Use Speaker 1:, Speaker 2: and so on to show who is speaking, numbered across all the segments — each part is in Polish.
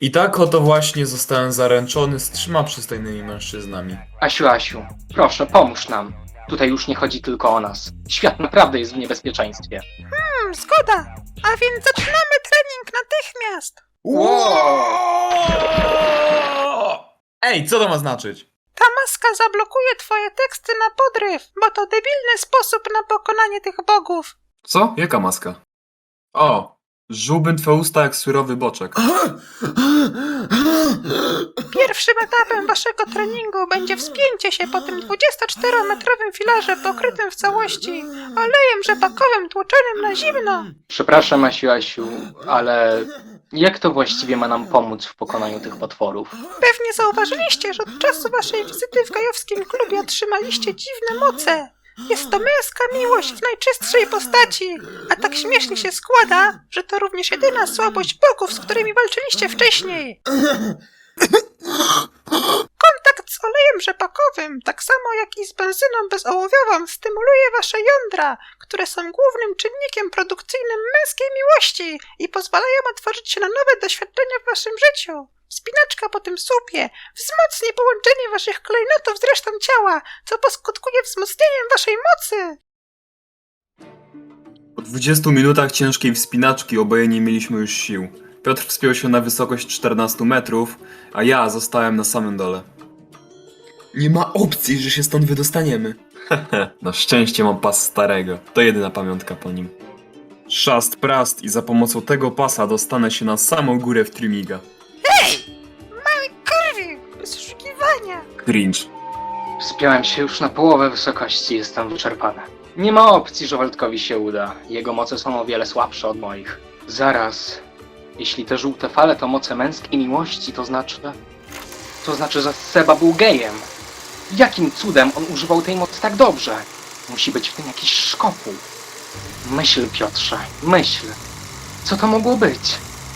Speaker 1: I tak oto właśnie zostałem zaręczony z 3 przystojnymi mężczyznami.
Speaker 2: Asiu, proszę, pomóż nam. Tutaj już nie chodzi tylko o nas. Świat naprawdę jest w niebezpieczeństwie.
Speaker 3: Zgoda. A więc zaczynamy trening natychmiast.
Speaker 1: Ej, co to ma znaczyć?
Speaker 3: Ta maska zablokuje twoje teksty na podryw, bo to debilny sposób na pokonanie tych bogów.
Speaker 1: Co? Jaka maska? O, żółbym twe usta jak surowy boczek.
Speaker 3: Pierwszym etapem waszego treningu będzie wspięcie się po tym 24-metrowym filarze pokrytym w całości olejem rzepakowym tłoczonym na zimno.
Speaker 2: Przepraszam, Asiu, ale jak to właściwie ma nam pomóc w pokonaniu tych potworów?
Speaker 3: Pewnie zauważyliście, że od czasu waszej wizyty w gajowskim klubie otrzymaliście dziwne moce. Jest to męska miłość w najczystszej postaci, a tak śmiesznie się składa, że to również jedyna słabość bogów, z którymi walczyliście wcześniej. Kontakt z olejem rzepakowym, tak samo jak i z benzyną bezołowiową, stymuluje wasze jądra, które są głównym czynnikiem produkcyjnym męskiej miłości i pozwalają otworzyć się na nowe doświadczenia w waszym życiu. Wspinaczka po tym słupie wzmocni połączenie waszych klejnotów z resztą ciała, co poskutkuje wzmocnieniem waszej mocy.
Speaker 1: Po 20 minutach ciężkiej wspinaczki oboje nie mieliśmy już sił. Piotr wspiął się na wysokość 14 metrów, a ja zostałem na samym dole. Nie ma opcji, że się stąd wydostaniemy. Na szczęście mam pas starego. To jedyna pamiątka po nim. Szast prast i za pomocą tego pasa dostanę się na samą górę w Trymiga.
Speaker 3: Mały kurwi, bez oszukiwania.
Speaker 1: Cringe.
Speaker 2: Wspiąłem się już na połowę wysokości, jestem wyczerpany. Nie ma opcji, że Waldkowi się uda. Jego moce są o wiele słabsze od moich. Zaraz. Jeśli te żółte fale to moce męskiej miłości, to znaczy, że Seba był gejem. Jakim cudem on używał tej mocy tak dobrze? Musi być w tym jakiś szkopuł. Myśl, Piotrze, myśl. Co to mogło być?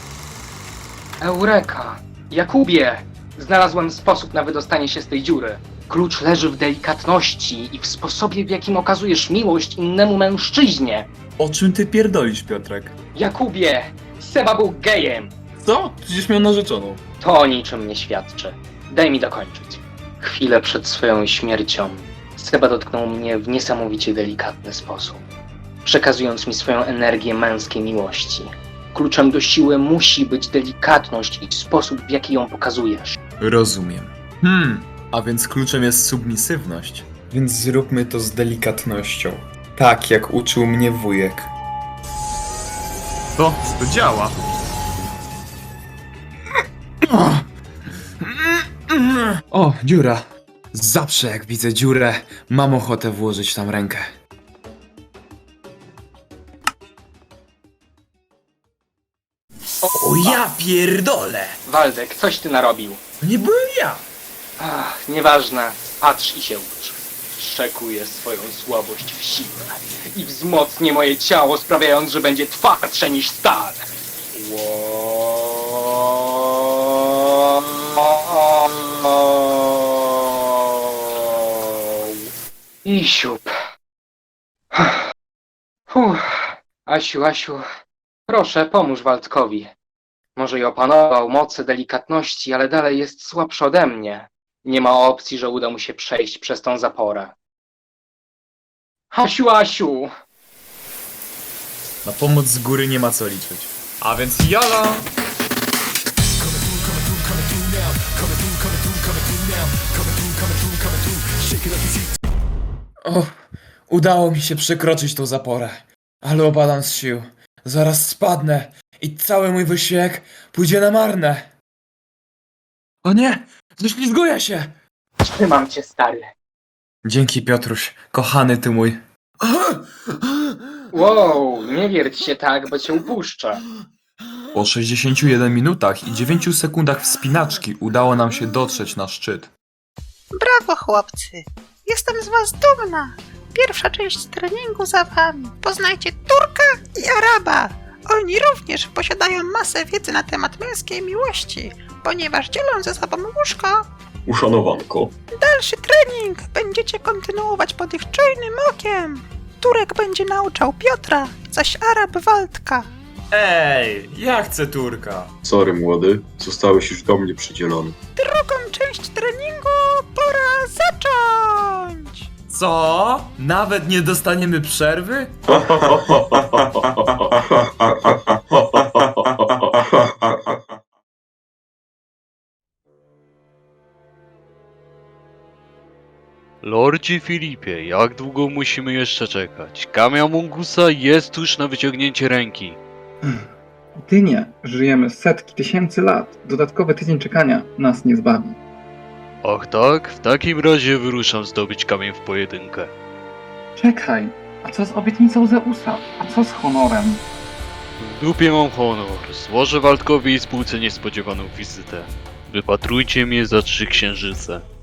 Speaker 2: Eureka! Jakubie! Znalazłem sposób na wydostanie się z tej dziury. Klucz leży w delikatności i w sposobie, w jakim okazujesz miłość innemu mężczyźnie.
Speaker 1: O czym ty pierdolisz, Piotrek?
Speaker 2: Jakubie! Seba był gejem!
Speaker 1: Co? Przecież miał narzeczoną.
Speaker 2: To o niczym nie świadczy. Daj mi dokończyć. Chwilę przed swoją śmiercią Seba dotknął mnie w niesamowicie delikatny sposób, przekazując mi swoją energię męskiej miłości. Kluczem do siły musi być delikatność i sposób, w jaki ją pokazujesz.
Speaker 1: Rozumiem. A więc kluczem jest submisywność. Więc zróbmy to z delikatnością. Tak jak uczył mnie wujek. To działa. O, dziura. Zawsze jak widzę dziurę, mam ochotę włożyć tam rękę. O ja pierdolę!
Speaker 2: Waldek, coś ty narobił.
Speaker 1: To nie byłem ja!
Speaker 2: Ach, nieważne. Patrz i się ucz. Szczekuję swoją słabość w siłę i wzmocnię moje ciało, sprawiając, że będzie twardsze niż stal. I siup. Asiu, proszę, pomóż Waldkowi. Może i opanował moce delikatności, ale dalej jest słabszy ode mnie. Nie ma opcji, że uda mu się przejść przez tą zaporę. Asiu!
Speaker 1: Na pomoc z góry nie ma co liczyć. A więc jala! O, udało mi się przekroczyć tą zaporę. Ale opadam z sił. Zaraz spadnę i cały mój wysiłek pójdzie na marne. O nie! Ześlizguję się!
Speaker 2: Trzymam cię, stary.
Speaker 1: Dzięki, Piotruś. Kochany ty mój.
Speaker 2: Wow, nie wierć się tak, bo cię upuszczę.
Speaker 1: Po 61 minutach i 9 sekundach wspinaczki udało nam się dotrzeć na szczyt.
Speaker 3: Brawo, chłopcy. Jestem z was dumna. Pierwsza część treningu za wami. Poznajcie Turka i Araba. Oni również posiadają masę wiedzy na temat męskiej miłości, ponieważ dzielą ze sobą łóżko.
Speaker 1: Uszanowanko.
Speaker 3: Dalszy trening będziecie kontynuować pod ich czujnym okiem. Turek będzie nauczał Piotra, zaś Arab Waldka.
Speaker 1: Ej, ja chcę turka.
Speaker 4: Sorry młody, zostałeś już do mnie przydzielony.
Speaker 3: Drugą część treningu pora zacząć!
Speaker 1: Co? Nawet nie dostaniemy przerwy?
Speaker 5: Lordzie Filipie, jak długo musimy jeszcze czekać? Kamień Mungusa jest tuż na wyciągnięcie ręki.
Speaker 6: Ty nie. Żyjemy setki tysięcy lat. Dodatkowy tydzień czekania nas nie zbawi.
Speaker 5: Ach tak? W takim razie wyruszam zdobyć kamień w pojedynkę.
Speaker 6: Czekaj. A co z obietnicą Zeusa? A co z honorem?
Speaker 5: W dupie mam honor. Złożę Waldkowi i spółce niespodziewaną wizytę. Wypatrujcie mnie za 3 księżyce.